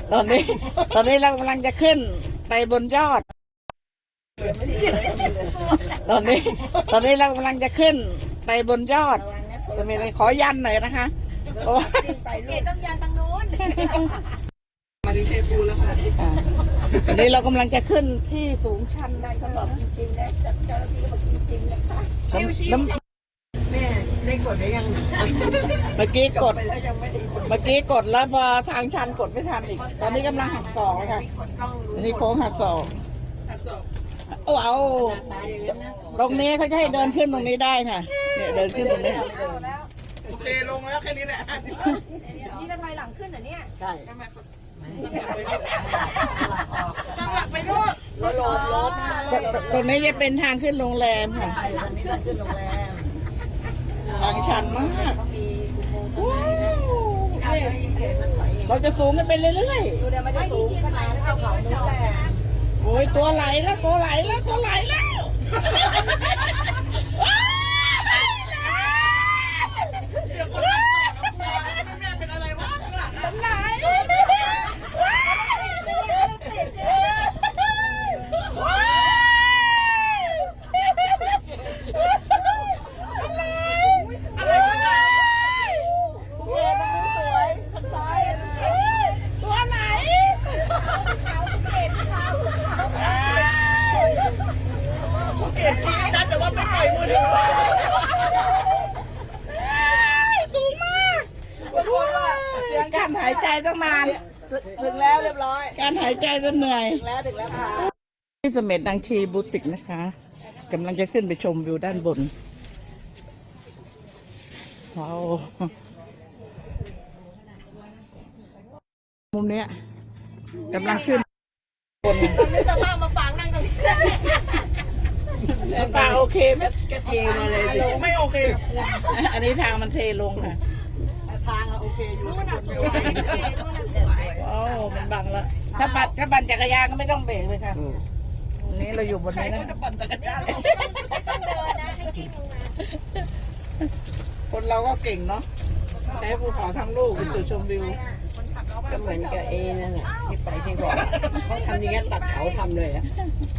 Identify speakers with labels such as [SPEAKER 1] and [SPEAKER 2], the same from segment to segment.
[SPEAKER 1] ตอนนี้เรากำลังจะขึ้นไปบนยอด ตอนนี้เรากำลังจะขึ้นไปบนยอดจะมีอะไรขอยันหน่อยนะคะเพราะว่า
[SPEAKER 2] เกตต้องยันทางโน้น
[SPEAKER 3] มาถึงเทพูแล้วค่ะ
[SPEAKER 1] ตอนนี้เรากำลังจะขึ้นที่สูงชัน
[SPEAKER 2] ได้เขาบอกจริงๆนะเจ้าหน้าที่บอกจริงๆนะคะ
[SPEAKER 1] น้ำ
[SPEAKER 3] แม่ได้กดได้ยัง
[SPEAKER 1] เมื่อกี้กด
[SPEAKER 3] ไปแล้วยังไม่ได้กด
[SPEAKER 1] เมื่อกี้กดแล้วพอทางชันกดไม่ทันอีก ตอนนี้กำลังหักศอกเลยค่ะ
[SPEAKER 3] กดต้องรู้
[SPEAKER 1] อันนี้โค้งหักศอก
[SPEAKER 3] ตัดศอก
[SPEAKER 1] เอาตรงนี้เขาจะให้เดินขึ้นตรงนี้ได้ค่ะ เนี่ยเดินขึ้นตรงนี้
[SPEAKER 3] โอเคลงแล้วแค่นี้แหละ
[SPEAKER 2] นี่ก็ถอยหลังขึ้นเหรอเนี่ย
[SPEAKER 1] ใช่
[SPEAKER 3] ตั้งหลักไปด้วย
[SPEAKER 1] ตรงนี้จะเป็นทางขึ้นโรงแรมค่ะ
[SPEAKER 2] ขึ้นโรงแรม
[SPEAKER 1] ทางชันมาก
[SPEAKER 2] มีอุโมงค์
[SPEAKER 1] ว้าว
[SPEAKER 2] เฉยมันถอย
[SPEAKER 1] เราจะสูงกันไปเรื่อย
[SPEAKER 2] ดูเดี๋ยวมันจะสูงขนาดเท่าเขานู้นแหละ
[SPEAKER 1] ๆ โอ้ยตัวไหลแล้วตัวไหลแล้วตัวไหลแล้ว
[SPEAKER 3] เดี๋ยวคนนั้นต่อกับแม่เป็นอะไรวะข้างหลังอะ
[SPEAKER 1] ไหล
[SPEAKER 3] อะไรกันนะ
[SPEAKER 2] เย้ตรงนี้สวยสวย
[SPEAKER 1] ตัวไหน
[SPEAKER 3] กูเกลียดกีนะแต่ว่าไม่ปล่อยมือถือ
[SPEAKER 1] สูงมากการหายใจตั้งนาน
[SPEAKER 3] ถึงแล้วเรียบร้อย
[SPEAKER 1] การหายใจจนเหนื่อย
[SPEAKER 3] ถึงแล้วค่ะ
[SPEAKER 1] ที่เสม็ดนางชีบูติกนะคะกำลังจะขึ้นไปชมวิวด้านบนว้าวมุมเนี้ยกำลังขึ้นบน
[SPEAKER 2] นึกสภาพมาปางนั่งตรงนี้
[SPEAKER 1] ป่าโอเคไหม
[SPEAKER 3] แกเทมาเลยไม่โอเคกับ
[SPEAKER 1] อันนี้ทางมันเทลงค่ะ
[SPEAKER 3] ทางอะโอเคอยู่
[SPEAKER 2] นู่นน่ะสวยนู่นน่ะสวย
[SPEAKER 1] ว้าวมันบังแล้วถ้าปั่นจักรยานก็ไม่ต้องเบรกเลยค่ะอันนี้เราอยู่บน
[SPEAKER 3] ใคร
[SPEAKER 1] นี้
[SPEAKER 3] ก็
[SPEAKER 1] นะ
[SPEAKER 3] จะปั่นจักรยาน
[SPEAKER 2] ต้องเดินนะให้กิ้งลงมา
[SPEAKER 1] คนเราก็เก่งเนาะใช้ภูเขาทั้งลูกเป็นจุดชมวิว
[SPEAKER 2] คนขับเรา
[SPEAKER 4] ก็เหมือนกับเอนั่นแหละที่ไปที่บอกเขาทำอย่างนี้ตัดเขาทำเลยอ่ะ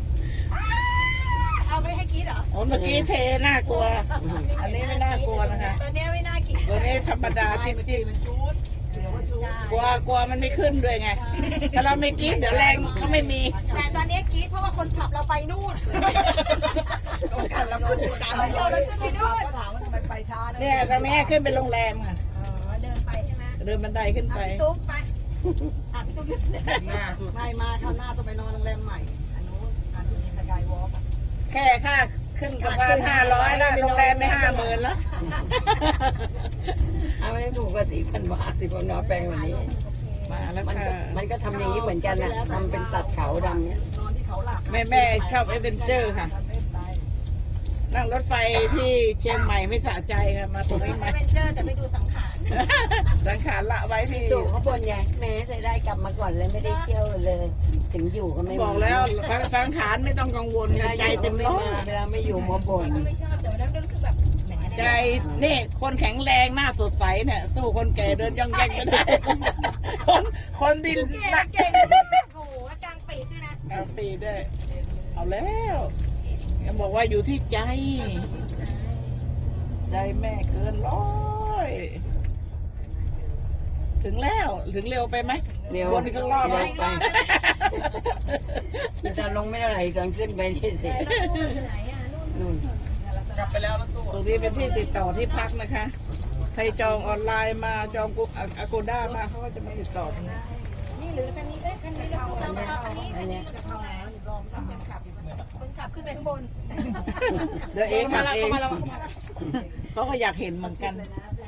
[SPEAKER 2] เอาไม่ให้กิ้งเหรอ
[SPEAKER 1] โอ้เมื่อกี้เทน่ากลัว อันนี้ไม่น่ากลัวนะคะ
[SPEAKER 2] ตอนนี้ไม่น่ากิ้ง
[SPEAKER 1] ตัวนี้ธรรมดาที่มันชุดกลัวมันไม่ขึ้นด้วยไง ถ้าเราไม่กินเดี๋ยวแรงเขาไม่มี
[SPEAKER 2] แต่ตอนนี้กิ้งเพราะว่าคนขับเราไปนู่น
[SPEAKER 3] กันแล้วขึ้นตาม
[SPEAKER 2] เราเลยขึ้นไปนู่น
[SPEAKER 3] ถามว่าทำไมไปช้า
[SPEAKER 1] เนี่ยตรงนี้ขึ้นเป็นโรงแรมค่ะ
[SPEAKER 2] เดินไปใช่ไหม
[SPEAKER 1] เดินบันไดขึ้นไป
[SPEAKER 2] พี่ตุ๊กไปพี่ตุ๊กยืน
[SPEAKER 3] หน้าสุด
[SPEAKER 4] ไม่มาข้างหน้าต้องไปนอนโรงแรมใหม่อันนู้นอันที่มีสกายวอล์ก
[SPEAKER 1] แค่ค่าขึ้นกับบ้าน500แล้วโรงแรมไม่50,000แล้ว
[SPEAKER 4] เอาไม่ถูกก็4,000 บาท4,000 บาทแปลงวันนี้
[SPEAKER 1] มาแล้ว
[SPEAKER 4] มัน
[SPEAKER 1] ค่ะ
[SPEAKER 4] ก็มันก็ทำอย่างนี้เหมือนกันนะทำเป็นตัดเขาดำเนี้ย
[SPEAKER 3] นอนที่เขาหลัก
[SPEAKER 1] แม่ชอบเอเวนเจอร์ค่ะ นั่งรถไฟที่เชียงใหม่ไม่สะใจค่ะ มาตรงนี้
[SPEAKER 2] แอ
[SPEAKER 1] มา
[SPEAKER 2] ดเวนเจอร์แต่ไม่ดูสังขาร
[SPEAKER 1] สังขารละไว้ที่
[SPEAKER 4] สู่เขาบนไงแม้จะได้กลับมาก่อนเลยไม่ได้เที่ยวเลย ถึงอยู่ก็ไม่
[SPEAKER 1] บอกแล้วสังขารไม่ต้องกังวล
[SPEAKER 4] เวลา
[SPEAKER 1] ใจ
[SPEAKER 4] อยู่
[SPEAKER 1] เต็ม
[SPEAKER 4] ไม่
[SPEAKER 1] ร้อ
[SPEAKER 4] มาย เวลาไม่อยู่มาบ่น
[SPEAKER 2] ก็ไม่ชอบแต่วันนั้นก็รู้สึกแบบแหม
[SPEAKER 1] ใจนี่คนแข็งแรงหน้าสดใสเนี่ยสู้คนแก่เดินย่องแย่งไม่ได้ คนดินหนัก
[SPEAKER 2] เก่งโอ้โหกลางปีกด้วยนะ
[SPEAKER 1] เอาปีด้วย เอาแล้วยังบอกว่าอยู่ที่ใจ ใจแม่เกินร้อย ถึงแล้วถึงเร็วไปไหม
[SPEAKER 4] เร็ว
[SPEAKER 1] วนอีกสักรอบไหม
[SPEAKER 4] เร็วไปที่จะลงไม่เท่าไหร่ก่อนขึ้นไปที่เสร็จ
[SPEAKER 2] ไหนอ่ะนู่น
[SPEAKER 4] นู่น
[SPEAKER 3] กลับไปแล้วแล้วตัว
[SPEAKER 1] ตรงนี้เป็นที่ติดต่อที่พักนะคะ ใครจองออนไลน์มาจองกูอากูด้ามาเขาก็จะมาติดต่อตรงนี้
[SPEAKER 2] นี่หรือคันนี้เอ้ยคันนี้เราเอาคันนี้
[SPEAKER 4] อันเนี้ย
[SPEAKER 2] คนขับขึ้นไปข้างบน
[SPEAKER 1] เดี๋ยวเองขับเอง
[SPEAKER 3] มาแล้ว
[SPEAKER 1] เขาก็อยากเห็นเหมือนกัน
[SPEAKER 2] เ